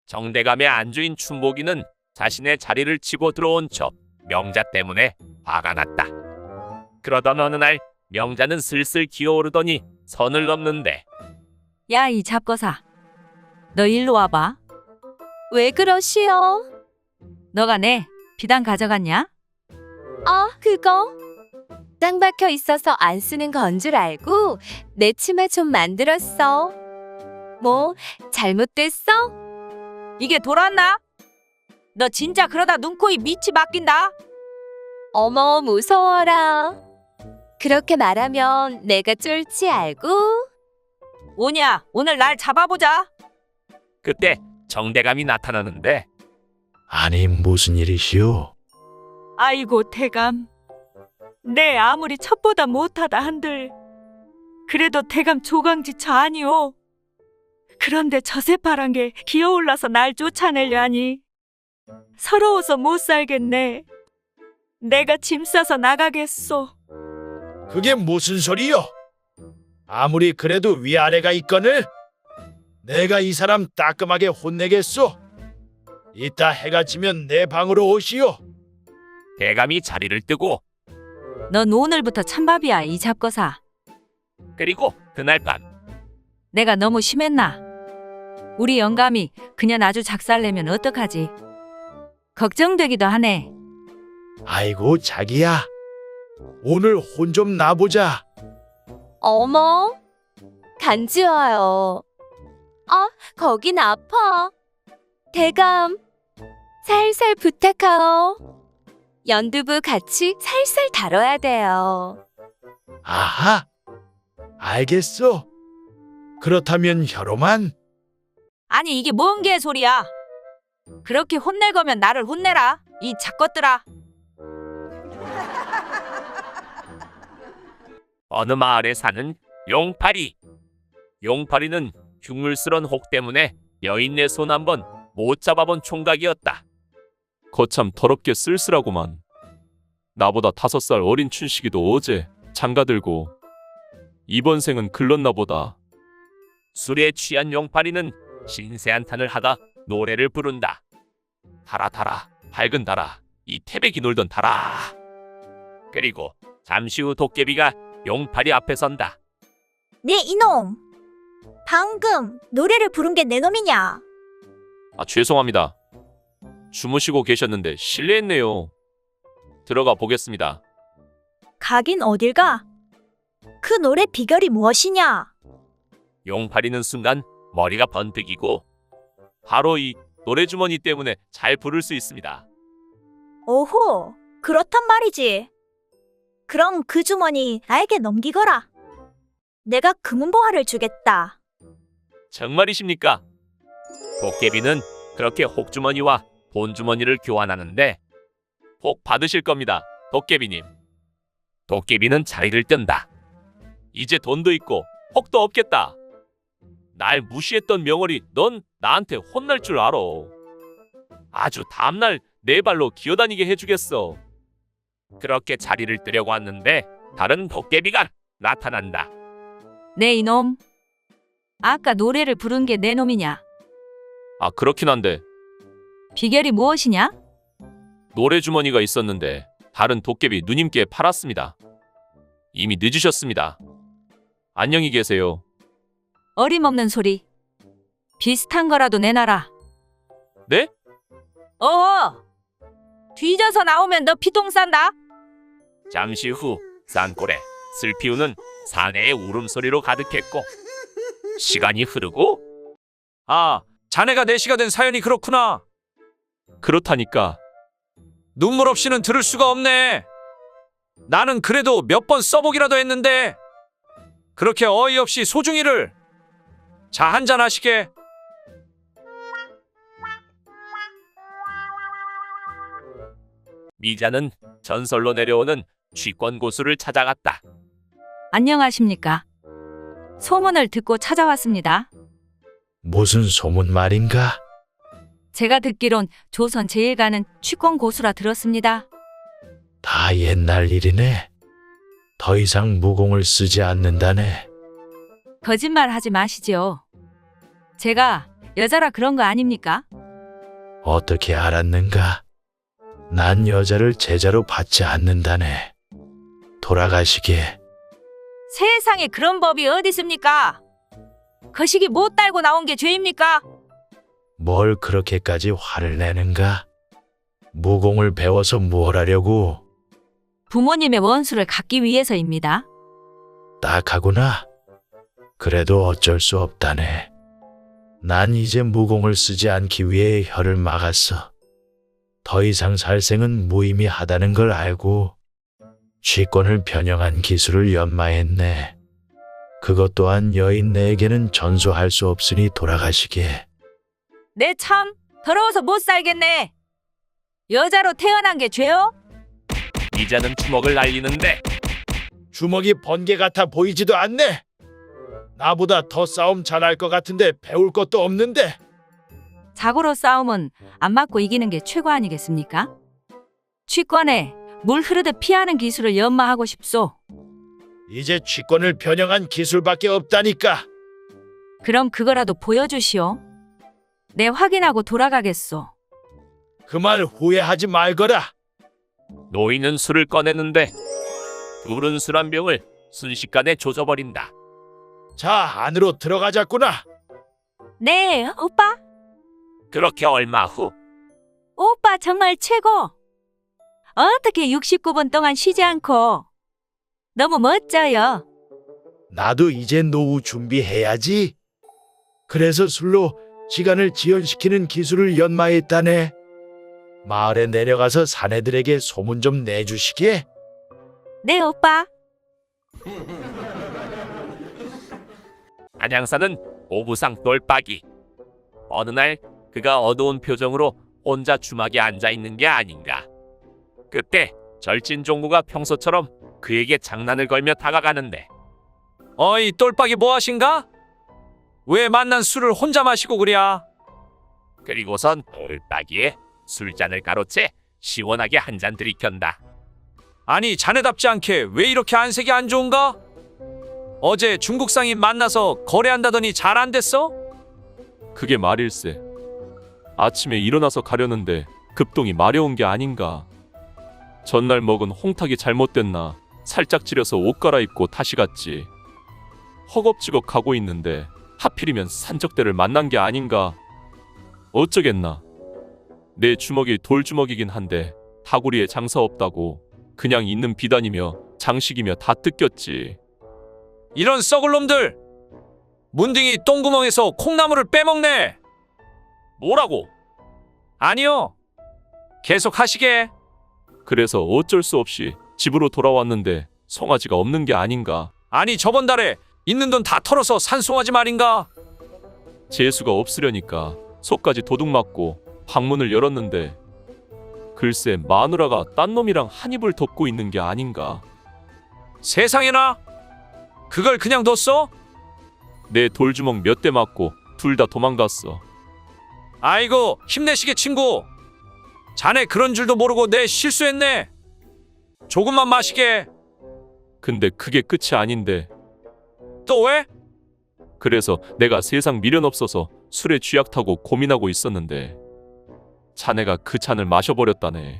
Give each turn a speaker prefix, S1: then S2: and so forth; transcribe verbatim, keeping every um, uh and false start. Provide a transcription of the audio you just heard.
S1: 정대감의 안주인 춘복이는 자신의 자리를 치고 들어온 저 명자 때문에 화가 났다. 그러던 어느 날 명자는 슬슬 기어오르더니 선을 넘는데,
S2: 야, 이 잡거사. 너 일로 와봐.
S3: 왜 그러시오?
S2: 너가 내 비단 가져갔냐?
S3: 아, 그거? 짱 박혀 있어서 안 쓰는 건 줄 알고 내 치마 좀 만들었어. 뭐, 잘못됐어?
S2: 이게 돌았나? 너 진짜 그러다 눈코입 밑이 맡긴다.
S3: 어머, 무서워라. 그렇게 말하면 내가 쫄지 알고?
S2: 오냐, 오늘 날 잡아보자.
S1: 그때 정대감이 나타나는데,
S4: 아니 무슨 일이시오?
S2: 아이고 대감. 내 아무리 첩보다 못하다 한들 그래도 대감 조강지처 아니오. 그런데 저 새파란 게 기어올라서 날 쫓아내려 하니 서러워서 못 살겠네. 내가 짐 싸서 나가겠소.
S4: 그게 무슨 소리요? 아무리 그래도 위아래가 있거늘 내가 이 사람 따끔하게 혼내겠소. 이따 해가 지면 내 방으로 오시오.
S1: 대감이 자리를 뜨고,
S2: 넌 오늘부터 찬밥이야, 이 잡거사.
S1: 그리고 그날 밤
S2: 내가 너무 심했나? 우리 영감이 그냥 아주 작살내면 어떡하지? 걱정되기도 하네.
S4: 아이고 자기야, 오늘 혼 좀 나보자.
S3: 어머, 간지와요. 아, 거긴 아파. 대감, 살살 부탁하오. 연두부 같이 살살 다뤄야 돼요.
S4: 아하, 알겠소. 그렇다면 혀로만.
S2: 아니 이게 뭔 개소리야? 그렇게 혼낼 거면 나를 혼내라, 이 작것들아.
S1: 어느 마을에 사는 용파리. 용파리는 흉물스런 혹 때문에 여인네 손 한번 못 잡아본 총각이었다.
S5: 거참 더럽게 쓸쓸하구만. 나보다 다섯 살 어린 춘식이도 어제 장가들고 이번 생은 글렀나 보다.
S1: 술에 취한 용파리는 신세한탄을 하다 노래를 부른다. 달아 달아 밝은 달아 이 태백이 놀던 달아. 그리고 잠시 후 도깨비가 용파리 앞에 선다.
S6: 네 이놈! 방금 노래를 부른 게 내 놈이냐?
S5: 아, 죄송합니다. 주무시고 계셨는데 실례했네요. 들어가 보겠습니다.
S6: 가긴 어딜 가? 그 노래 비결이 무엇이냐?
S1: 용파리는 순간 머리가 번뜩이고, 바로 이 노래주머니 때문에 잘 부를 수 있습니다.
S6: 오호, 그렇단 말이지. 그럼 그 주머니 나에게 넘기거라. 내가 금은보화를 주겠다.
S1: 정말이십니까? 도깨비는 그렇게 혹주머니와 본주머니를 교환하는데, 복 받으실 겁니다, 도깨비님. 도깨비는 자리를 뜬다. 이제 돈도 있고 혹도 없겠다. 날 무시했던 명월이 넌 나한테 혼날 줄 알아. 아주 다음날 네 발로 기어다니게 해주겠어. 그렇게 자리를 뜨려고 왔는데 다른 도깨비가 나타난다.
S2: 네 이놈. 아까 노래를 부른 게 내 놈이냐?
S5: 아, 그렇긴 한데
S2: 비결이 무엇이냐?
S5: 노래 주머니가 있었는데 다른 도깨비 누님께 팔았습니다. 이미 늦으셨습니다. 안녕히 계세요.
S2: 어림없는 소리. 비슷한 거라도 내놔라.
S5: 네?
S2: 어허! 뒤져서 나오면 너 피똥 싼다.
S1: 잠시 후 산골에 슬피우는 사내의 울음소리로 가득했고, 시간이 흐르고,
S7: 아, 자네가 내시가 된 사연이 그렇구나.
S5: 그렇다니까.
S7: 눈물 없이는 들을 수가 없네. 나는 그래도 몇 번 써보기라도 했는데 그렇게 어이없이 소중이를. 자, 한잔 하시게.
S1: 미자는 전설로 내려오는 취권 고수를 찾아갔다.
S2: 안녕하십니까? 소문을 듣고 찾아왔습니다.
S4: 무슨 소문 말인가?
S2: 제가 듣기론 조선 제일 가는 취권 고수라 들었습니다.
S4: 다 옛날 일이네. 더 이상 무공을 쓰지 않는다네.
S2: 거짓말 하지 마시지요. 제가 여자라 그런 거 아닙니까?
S4: 어떻게 알았는가? 난 여자를 제자로 받지 않는다네. 돌아가시게.
S2: 세상에 그런 법이 어디 있습니까? 거시기 못 달고 나온 게 죄입니까?
S4: 뭘 그렇게까지 화를 내는가? 무공을 배워서 뭘 하려고?
S2: 부모님의 원수를 갚기 위해서입니다.
S4: 딱하구나. 그래도 어쩔 수 없다네. 난 이제 무공을 쓰지 않기 위해 혀를 막았어. 더 이상 살생은 무의미하다는 걸 알고 취권을 변형한 기술을 연마했네. 그것 또한 여인 내에게는 전수할 수 없으니 돌아가시게.
S2: 내 참 더러워서 못 살겠네. 여자로 태어난 게 죄요?
S1: 이자는 주먹을 날리는데
S4: 주먹이 번개 같아 보이지도 않네. 나보다 더 싸움 잘할 것 같은데 배울 것도 없는데.
S2: 자고로 싸움은 안 맞고 이기는 게 최고 아니겠습니까? 취권에 물 흐르듯 피하는 기술을 연마하고 싶소.
S4: 이제 취권을 변형한 기술밖에 없다니까.
S2: 그럼 그거라도 보여주시오. 내 확인하고 돌아가겠소.
S4: 그 말 후회하지 말거라.
S1: 노인은 술을 꺼내는데 둘은 술 한 병을 순식간에 조져버린다.
S4: 자, 안으로 들어가자꾸나.
S2: 네, 오빠.
S1: 그렇게 얼마 후
S2: 오빠 정말 최고. 어떻게 육십구 분 동안 쉬지 않고. 너무 멋져요.
S4: 나도 이제 노후 준비해야지. 그래서 술로 시간을 지연시키는 기술을 연마했다네. 마을에 내려가서 사내들에게 소문 좀 내주시게.
S2: 네, 오빠.
S1: 안양사는 오부상 똘박이. 어느 날 그가 어두운 표정으로 혼자 주막에 앉아 있는 게 아닌가. 그때 절진 종구가 평소처럼 그에게 장난을 걸며 다가가는데
S7: 어이 똘박이 뭐하신가? 왜 만난 술을 혼자 마시고 그랴?
S1: 그리고선 똘박이에 술잔을 가로채 시원하게 한 잔 들이켠다.
S7: 아니 자네답지 않게 왜 이렇게 안색이 안 좋은가? 어제 중국 상인 만나서 거래한다더니 잘 안 됐어?
S5: 그게 말일세. 아침에 일어나서 가려는데 급동이 마려운 게 아닌가. 전날 먹은 홍탁이 잘못됐나 살짝 찌려서 옷 갈아입고 다시 갔지. 허겁지겁 가고 있는데 하필이면 산적대를 만난 게 아닌가. 어쩌겠나. 내 주먹이 돌주먹이긴 한데 다구리에 장사 없다고 그냥 있는 비단이며 장식이며 다 뜯겼지.
S7: 이런 썩을 놈들! 문딩이 똥구멍에서 콩나물을 빼먹네!
S1: 뭐라고?
S7: 아니요. 계속 하시게.
S5: 그래서 어쩔 수 없이 집으로 돌아왔는데 송아지가 없는 게 아닌가.
S7: 아니 저번 달에 있는 돈 다 털어서 산 송아지 말인가?
S5: 재수가 없으려니까 속까지 도둑 맞고 방문을 열었는데 글쎄 마누라가 딴 놈이랑 한 입을 덮고 있는 게 아닌가.
S7: 세상에나? 그걸 그냥 뒀어?
S5: 내 돌주먹 몇 대 맞고 둘 다 도망갔어.
S7: 아이고 힘내시게 친구. 자네 그런 줄도 모르고 내 실수했네. 조금만 마시게.
S5: 근데 그게 끝이 아닌데.
S7: 또 왜?
S5: 그래서 내가 세상 미련 없어서 술에 쥐약 타고 고민하고 있었는데 자네가 그 잔을 마셔버렸다네.